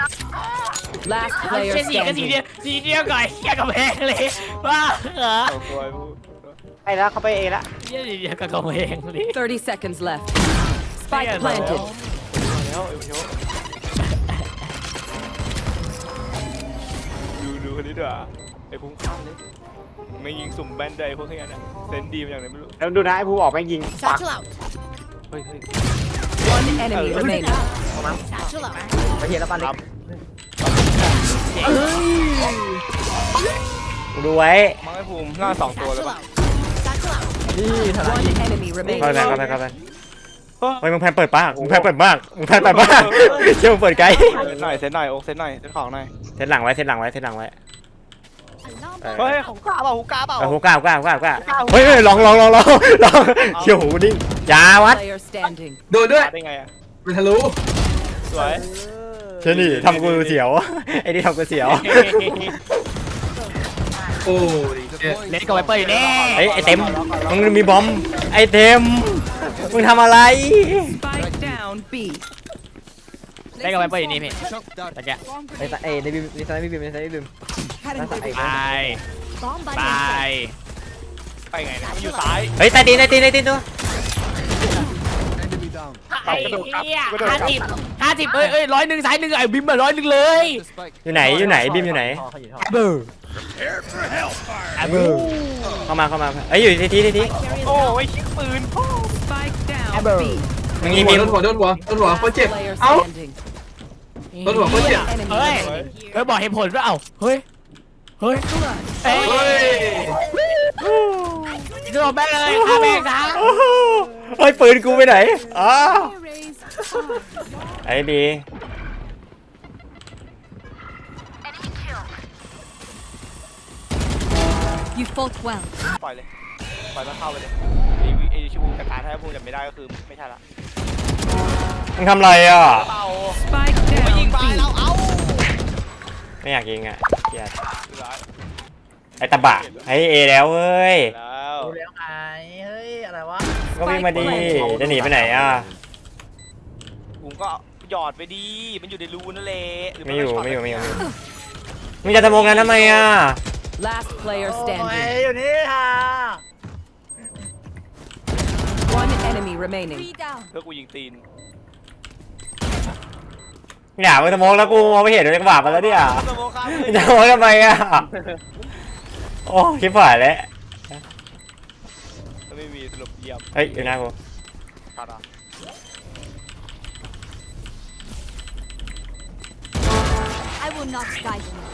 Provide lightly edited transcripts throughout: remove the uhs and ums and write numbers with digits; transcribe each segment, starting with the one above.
Last เชี่ player ยสีก็สีเดียว standing. สีเดียวก่อนเชี่ยกับแพงเลยว้าเหรอเอาตัวไอ้พวกไปแล้วเขาไปเอละเชี่ยสีเดียวกับกำแพงเลย 30 seconds left. Spike Yeah, planted. แล้วไอ้พวกดูคนนี้ด้วยไอ้พุ่งข้ามเลยไม่ยิงสุ่มแบนได้พวกนี้นะเซนดีมาอย่างไรไม่รู้แล้วดูนะไอ้ผู้ออกแม่งยิงปัก Satchel out. เฮ้ย One enemy remaining. Satchel out. ไปเห็นแล้วปันเล็กดูไว้มังไอ้ภูมิหน้า2ตัวเลย Satchel ปะ out. Satchel out. นี่ทนาย One enemy เข้าไป remaining. เข้าไปเฮ้ยมึงแพนเปิดปากมึงแพนเปิดมากมึงแพนเปิดมากเชื่อมึงเปิดไกลเซตหน่อยโอ๊กเซตหน่อยเซตของหน่อยเซตหลังไว้เซตหลังไว้เซตหลังไว้ Alarm เออเฮ้ยของกล้าเปล่าหูกล้าเปล่าเอาหูกล้าเฮ้ยลองเชี่ยวหูนิ่งยาวัด Player standing. โดนด้วยได้ไงอ่ะเป็นทะลุสวยเช่นนี่ทำกูเสียวไอ้นี่ทำกูเสียวโอ้ยเจ็ดเล่นกับไวเปอร์อยู่แน่ไอ้เต็มมึงมีบอมไอ้เต็มมึงทำอะไร Spike down B. เล่นกับไวเปอร์อยู่นี่พี่ตะแกะไอ้ในบิมในไซน์บิมในไซน์บิมไป bomb ไป buddy. ไปไงเนี่ยอยู่ซ้ายเฮ้ยใต้ตีนตัวไอ้เหี้ย50เอ้ย100สาย1ไอ้บิมมา100เลยอยู่ไหนบิมอยู่ไหนเบอร์เบอร์เข้ามาเอ้ยอยู่ที่โอ้ยชิคปืน Spike down B. มึงยิงบิมโดนหัวโคตรเจ็บ Player เอ้า standing. โดนหัวโคตรเจ็บ Enemy เฮ้ย remaining. เฮ้ยบอกเหตุผลว่าเอ้าเฮ้ยเฮ้ยเอ้ยโดนแม่เลยฆ่าแม่ซะเฮ้ยปืนกูไปไหนอ๋อไอ้บี You fought well. ปล่อยเลยปล่อยมันเข้าไปเลยไอ้ชูกระถาถ้าพูดจำไม่ได้ก็คือไม่ใช่ละมึงทำอะไรอ่ะเป่า Spike ไปยิง down ไป B. เราเอาไม่อยากยิงอ่ะเกลียดอยู่ร้ายไอ้ตะบะไอ้เอแล้วเว้ยแล้วดูแล้วไงเฮ้ยอะไรวะก็วิ่งมาดีจะหนีไปไหนอ่ะผมก็หยอดไปดีมันอยู่ในรูนั่นแหละไม่อยู่มึงจะทำโมงกันทำไมอ่ะ Last player โอ้ย standing. อยู่นี่ค่ะ One enemy remaining. 3 down. เพื่อกูยิงตีนอย่ามึงทำโมงแล้วกูมองไม่เห็นเลยกระบาดมาแล้วเนี่ยสโมคามึงจะทำโมงทำไมอ่ะโอ้คิดผ่านแล้วไม่มีสรุปเยี่ยมเฮ้ยอยู่หน้ากูขาดอ่ะ I will not guide you.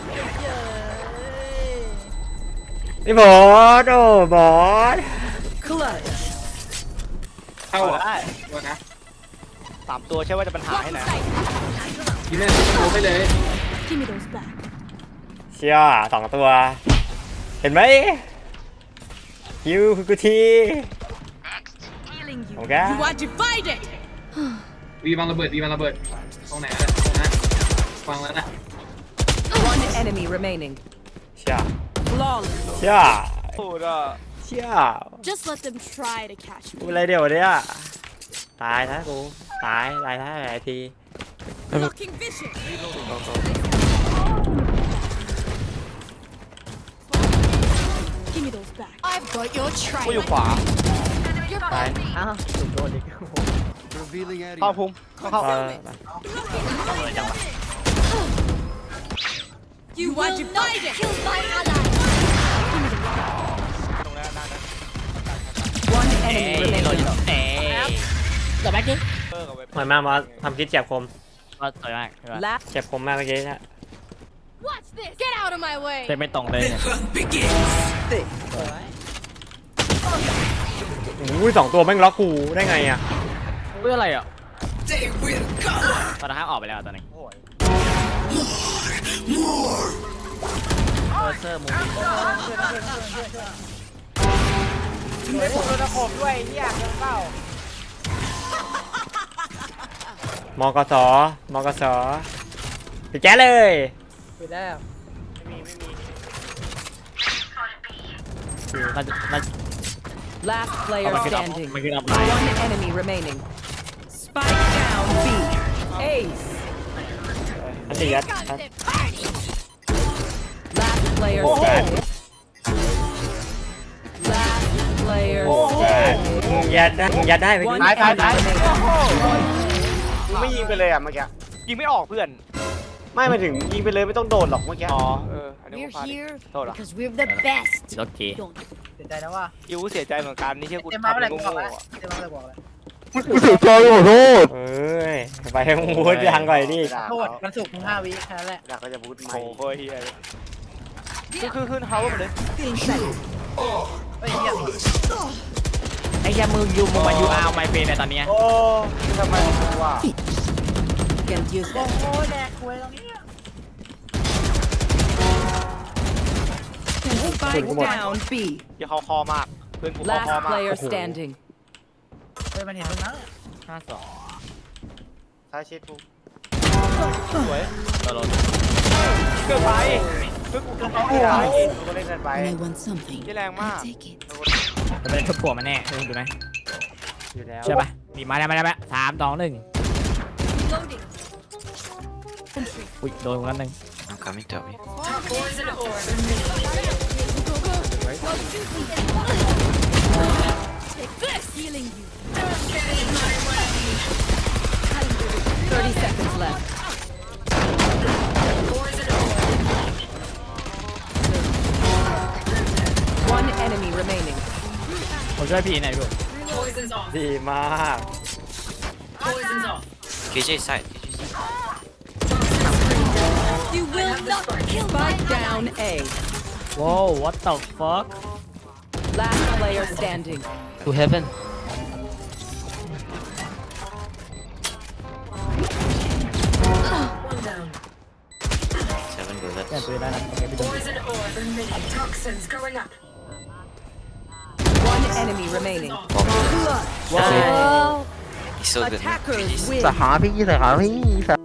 นี่บอสโอ้บอส Clutch. เข้าเอาอ่ะได้ตัวนะ 3 ตัวใช่ว่าจะปัญหาให้ไหนยิงแม่โดนไปเลย Give me those back. เชี่ย2 ตัว เห็นไหมคิวคือกูที Healing you. โอเค You are divided. วีวางระเบิดตรงไหนนะตรงนั้นวางแล้วนะ One enemy remaining. เชี่ย Flawless. เชี่ยพูดอ่ะเชี่ย Just let them try to catch กู me. อะไรเดี๋ยวเนี่ยตายนะกูตายท้ายหลายที Blocking vision. Give me those back. I've got your กูอยู่ trail. ขวา You're ตาย fine. อ้าวถูกโดนอีกเข้าพุ่มเข้า You are divided. Kill my ally. ตรงนั้นนั่นนะ One เอ้ enemy ยโดน remaining. อยู่เอ้ยแต่แม็กซ์เปิดกับเว็บหอยมากมอสทำคิดเจ็บคมก็สวยมาก Last เจ็บคมมากเมื่อกี้นะ Watch this. Get out of my way. เล่นไม่ตรงเลยเนี่ยอุ้ย2 ตัวแม่งล็อกกูได้ไงอ่ะเพื่ออะไรอ่ะตอนนั้นออกไปแล้วตอนนี้โอ้ยเซอร์มูไอ้พวกโดนตะขบด้วยเฮียเกินเปล่ามกสไปแจ๊เลยไปแล้วมัน last player มันคืออัพ standing. มันคืออัพไลน์ One enemy remaining. Spike down B. Ace. อันนี้ยัด Last player Oh. standing. Last player มึงยัดได้มึงยัดได้ไหม One ตายตายตาย enemy remaining. มึงไม่ยิงไปเลยอ่ะเมื่อกี้ยิงไม่ออกเพื่อนไม่มาถึงยิงไปเลยไม่ต้องโดนหรอกเมื่อกี้อ๋ออันนี้ We're กูพลาด here โทษเหรอ because we're the best. โอเค Don't. เสียใจนะว่าอิวเสียใจเหมือนกันนี่เชื่อกูเต็มมาทำเมื่อไหร่เป็นกูบอกโง่แล้วๆอะเต็มมาเมื่อไหร่กูบอกแล้วเอ้ยไปให้มึงพูดยังก่อนดิโทษมันสุกมึง5 วิแค่นั้นแหละอยากก็จะพูดใหม่โอ้โหเฮียเลยขึ้นเฮาส์มาเลยเฮ้ยเหี้ยไอ้แค่มึงยูมึงมายูอาร์ไมเฟนในตอนเนี้ยโอ้ทำไมกูอ่ะ Can't use โอ้ that. โหแดกคุยตรงนี้ Spike down B. อย่าเขาคอมากเพื่อนกูเขาคอ Last มาก player standing. เฮ้ยมันเห็นมึงนะ 52 ท้ายชิดกูสวยตัวรถเกินไปเพื่อนกูเขาไม่ได้กูก็เล่นกันไป When I want something, ที่แรงมาก I take it. จะเป็นทุบหัวมันแน่ดูดูไหมอยู่แล้วใช่ปะมีมาได้3 2 1 Loading. อุ้ยโดนกันหนึ่ง I'm coming to me. Take this. Healing you. 30 seconds left. One enemy remaining. ผมช่วยพี่หน่อยดูดีมาก KJ side. You will not kill my Spike down A. ว้าว what the fuck Last player standing. to heaven Seven bullets. แก้ตัวได้นะโอเคพี่ดู One enemy remaining. Wow. He's so good. man. Attackers GG's. win. สหาพี่